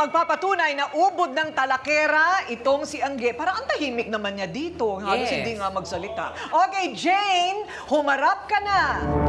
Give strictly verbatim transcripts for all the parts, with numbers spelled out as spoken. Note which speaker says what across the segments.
Speaker 1: magpapatunay na ubod ng talakera itong si Angge. Parang ang tahimik naman niya dito. Halos
Speaker 2: Yes.
Speaker 1: hindi nga magsalita. Okay, Jane, humarap ka na.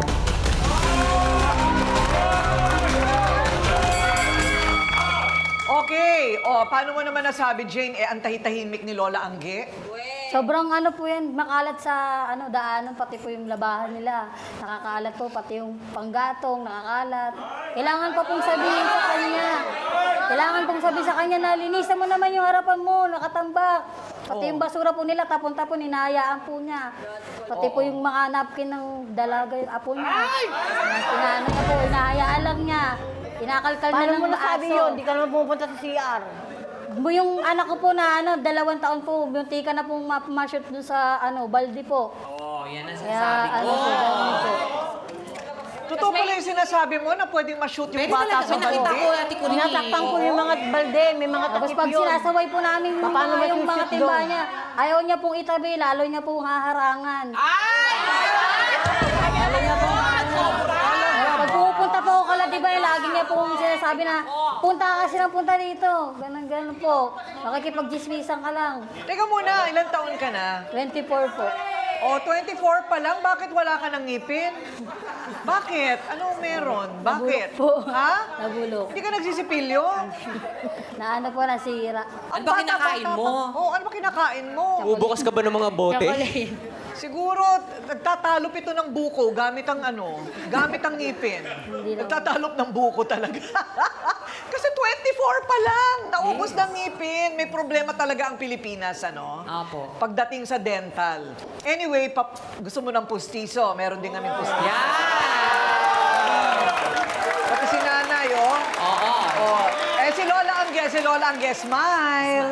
Speaker 1: Okay, o paano mo naman nasabi, Jane, eh, ang tahi-tahimik ni Lola Angge?
Speaker 3: Sobrang ano po yan, makalat sa ano daanan, pati po yung labahan nila. Nakakalat po, pati yung panggatong, nakakalat. Kailangan pa pong sabihin sa kanya. Kailangan pong sabihin sa kanya na linisan mo naman yung harapan mo, nakatambak. Pati yung basura po nila, tapon-tapon, hinahayaan po niya. Pati po yung mga napkin ng dalaga, yung apo niya. Pinaano niya po, hinahayaan lang niya. Kinakalkal na
Speaker 4: Paano
Speaker 3: lang
Speaker 4: mo
Speaker 3: ng
Speaker 4: nasabi
Speaker 3: aso.
Speaker 4: yun? Di ka naman pupunta sa C R.
Speaker 3: Yung anak ko po na ano, dalawang taon po, muntika na pong ma-shoot dun sa ano, balde po.
Speaker 2: Oo, yan ang
Speaker 3: Kaya
Speaker 2: sinasabi ko.
Speaker 3: ano po, ganun po.
Speaker 1: Totoo pala yung sinasabi mo na pwedeng ma-shoot yung
Speaker 2: Pwede
Speaker 1: bata
Speaker 2: talaga,
Speaker 1: sa
Speaker 2: may nakita
Speaker 1: balde?
Speaker 2: ko, Ate Connie.
Speaker 4: Tinatakpan ko yung mga balde, may mga
Speaker 3: Tapos
Speaker 4: takip
Speaker 3: pag
Speaker 4: yun.
Speaker 3: sinasaway po namin yung,
Speaker 4: Paano
Speaker 3: mga,
Speaker 4: ba
Speaker 3: yung mga
Speaker 4: susit
Speaker 3: timba
Speaker 4: doon?
Speaker 3: niya, ayaw niya pong itabi, lalo niya pong haharangan.
Speaker 2: Ay!
Speaker 3: Lalo niya pong Pag pupunta po ako kala, di ba, lagi niya pong sinasabi na, punta ka kasi ng punta dito. Ganun, ganun po. Makikipag-gismisan ka lang.
Speaker 1: Teka muna, ilang taon ka na?
Speaker 3: twenty-four po.
Speaker 1: O, twenty-four pa lang, bakit wala ka ng ngipin? Bakit? Anong meron? Bakit?
Speaker 3: Nabulok po.
Speaker 1: Ha?
Speaker 3: Nabulok.
Speaker 1: Hindi ka nagsisipilyo?
Speaker 3: Na ano po, nasira.
Speaker 2: Ano ba kinakain mo?
Speaker 1: Oo, ano ba kinakain mo?
Speaker 5: Bubukas ka ba ng mga bote?
Speaker 3: Chocolate.
Speaker 1: Siguro, nagtatalop ito ng buko gamit ang ano, gamit ang ngipin.
Speaker 3: Hindi naman.
Speaker 1: Nagtatalop ng buko talaga. Kasi twenty-four pa lang, naubos ng ngipin. May problema talaga ang Pilipinas, ano?
Speaker 2: Apo.
Speaker 1: Pagdating sa dental. Anyway, pap- gusto mo ng pustiso? Meron din kami pustiso.
Speaker 2: Yan!
Speaker 1: Pati si nanay, oh.
Speaker 2: Oo.
Speaker 1: Oh. Eh, si Lola Angge, si Lola Angge, smile.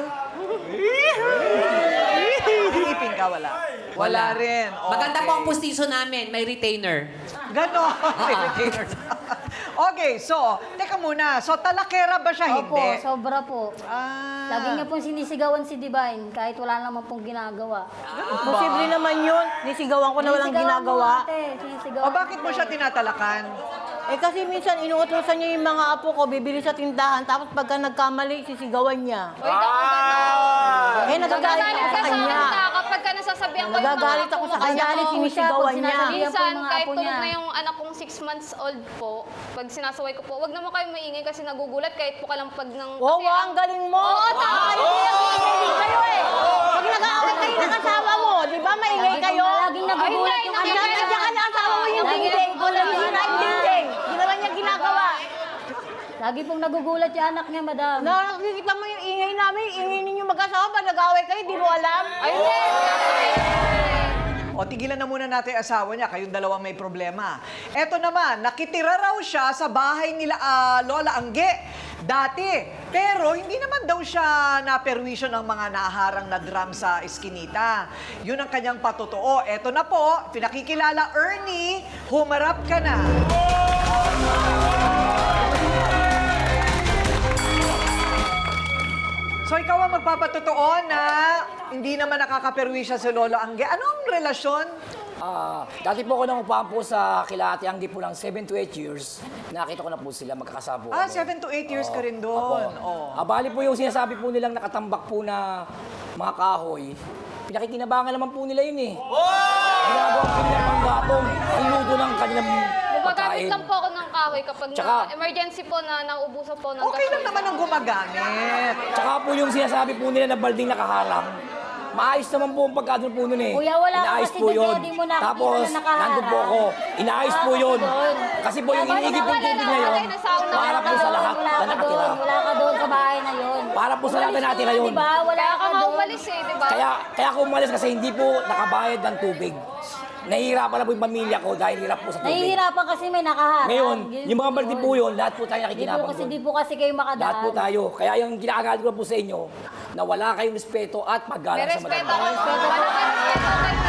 Speaker 1: Ngipin ka, wala. Wala rin.
Speaker 2: Maganda
Speaker 1: Okay.
Speaker 2: po ang pustiso namin. May retainer.
Speaker 1: Ganon. Okay, so, teka muna. So, talakera ba siya?
Speaker 3: Opo,
Speaker 1: Hindi.
Speaker 3: sobra po.
Speaker 1: Ah.
Speaker 3: Lagi niya pong sinisigawan si Divine kahit wala naman pong ginagawa.
Speaker 4: Posible naman yun. Nisigawan ko na walang
Speaker 3: Sinisigawan
Speaker 4: ginagawa.
Speaker 3: mo, ate. Sinisigawan
Speaker 1: O, bakit mo
Speaker 3: ate.
Speaker 1: siya tinatalakan?
Speaker 4: Eh kasi minsan inuutosan niya yung mga apo ko, bibili sa tindahan, tapos pagka nagkamali, sisigawan niya.
Speaker 6: Uy, naku, gano'n.
Speaker 4: Eh nagagalit ako sa
Speaker 6: ka sa
Speaker 4: kanya.
Speaker 6: kanta kapag ka nasasabihan ko yung mga
Speaker 4: Nagagalit ako
Speaker 6: apo
Speaker 4: sa
Speaker 6: mo.
Speaker 4: kanya,
Speaker 3: Kasi ako
Speaker 4: sinisigawan
Speaker 3: siya,
Speaker 4: niya.
Speaker 3: pag sinasabihan po
Speaker 6: Minsan,
Speaker 3: yung mga
Speaker 6: kahit
Speaker 3: apo
Speaker 6: tulog
Speaker 3: niya.
Speaker 6: na yung anak kong six months old po, pag sinasaway ko po, wag naman kayo maingay kasi nagugulat kahit po kalampag ng...
Speaker 4: Wow,
Speaker 6: kasi
Speaker 4: wow, ang galing mo!
Speaker 6: Oo, tama.
Speaker 4: Hindi nag-iingay kayo eh! Pag nag-aaway kayo ng asawa mo, di ba maingay
Speaker 3: Lagi
Speaker 4: kayo?
Speaker 3: pong- Laging nagugulat
Speaker 6: Ay,
Speaker 3: yung
Speaker 6: hindi,
Speaker 3: anak
Speaker 4: Ang
Speaker 6: hindi,
Speaker 3: niya.
Speaker 4: dami ka asawa mo yung
Speaker 3: Lagi
Speaker 4: dingding. Kung
Speaker 3: nagugulat
Speaker 4: naman
Speaker 3: yung
Speaker 4: yung
Speaker 3: anak niya.
Speaker 4: dingding. Di naman niya ginagawa.
Speaker 3: Lagi pong nagugulat yung anak niya, madam.
Speaker 4: Nakikita mo yung ingay namin, yung ingay ninyo mag-asawa, pag nag-aaway kayo, di mo alam.
Speaker 6: Ay, hindi.
Speaker 1: O, tigilan na muna natin yung asawa niya. Kayong dalawa may problema. Eto naman, nakitira raw siya sa bahay nila ah, Lola Angge dati. Pero hindi naman daw siya naperwisyo ng mga naharang na drum sa eskinita. Yun ang kanyang patotoo. Eto na po, pinakikilala Ernie, humarap ka na. So ikaw ang magpapatotoo na hindi naman nakakaperwisyo si Lola Angge. Anong relasyon?
Speaker 7: Ah, dati po ako nang upahan po sa kila Ate Anggi po ng seven to eight years. Nakita ko na po sila, magkakasama po
Speaker 1: Ah,
Speaker 7: kami.
Speaker 1: seven to eight years ka rin
Speaker 7: Apo.
Speaker 1: doon. Oh.
Speaker 7: Ah, bali po yung sinasabi po nilang nakatambak po na mga kahoy. Pinakikinabangan naman po nila yun eh. Ginagawa po nila pang gatong. Ang luto ng kanilang
Speaker 6: Gumagamit
Speaker 7: pagkain.
Speaker 6: lang po ako ng kahoy kapag
Speaker 7: Tsaka-
Speaker 6: na emergency po na nauubusan po ng
Speaker 1: Okay lang
Speaker 6: gasolina.
Speaker 1: naman ang gumagamit.
Speaker 7: Tsaka po yung sinasabi po nila na balding nakaharang. Maayos naman po ang pagkadon po nun eh.
Speaker 3: Kuya, wala ka
Speaker 7: Inaayos
Speaker 3: kasi
Speaker 7: po
Speaker 3: doon,
Speaker 7: yun.
Speaker 3: di mo nakikita
Speaker 7: Tapos,
Speaker 3: na nakaharang.
Speaker 7: nandun po ako. Inaayos po yun. Kasi po yung
Speaker 3: Wala
Speaker 7: iniigib po
Speaker 6: wala
Speaker 7: tubig
Speaker 6: na,
Speaker 7: na yun,
Speaker 6: wala na, sauna.
Speaker 7: para po sa lahat
Speaker 3: Wala
Speaker 7: na
Speaker 3: ka
Speaker 7: nakatira.
Speaker 3: doon, wala ka doon sa bahay na yun.
Speaker 7: Para po sa lahat na nakatira yun.
Speaker 3: Diba? Wala
Speaker 6: Kaya
Speaker 3: ka
Speaker 6: ka nga
Speaker 3: doon.
Speaker 6: umalis eh, di ba?
Speaker 7: Kaya, kaya ako umalis kasi hindi po nakabayad ng tubig. Nahihirapan na po yung pamilya ko dahil hirap po sa tubig.
Speaker 3: Nahihirapan kasi may nakaharang.
Speaker 7: Ngayon,
Speaker 3: Yun
Speaker 7: yung mga
Speaker 3: po
Speaker 7: balde
Speaker 3: yun.
Speaker 7: po yun, lahat po tayo
Speaker 3: Di po
Speaker 7: nakikinabang
Speaker 3: kasi,
Speaker 7: doon.
Speaker 3: di po kasi kayo makadaan.
Speaker 7: Lahat po tayo. Kaya yung ginagalit ko po sa inyo, na wala kayong respeto at
Speaker 6: May
Speaker 7: paggalang sa
Speaker 6: respeto
Speaker 7: matanda.
Speaker 6: ako. May respeto kayo.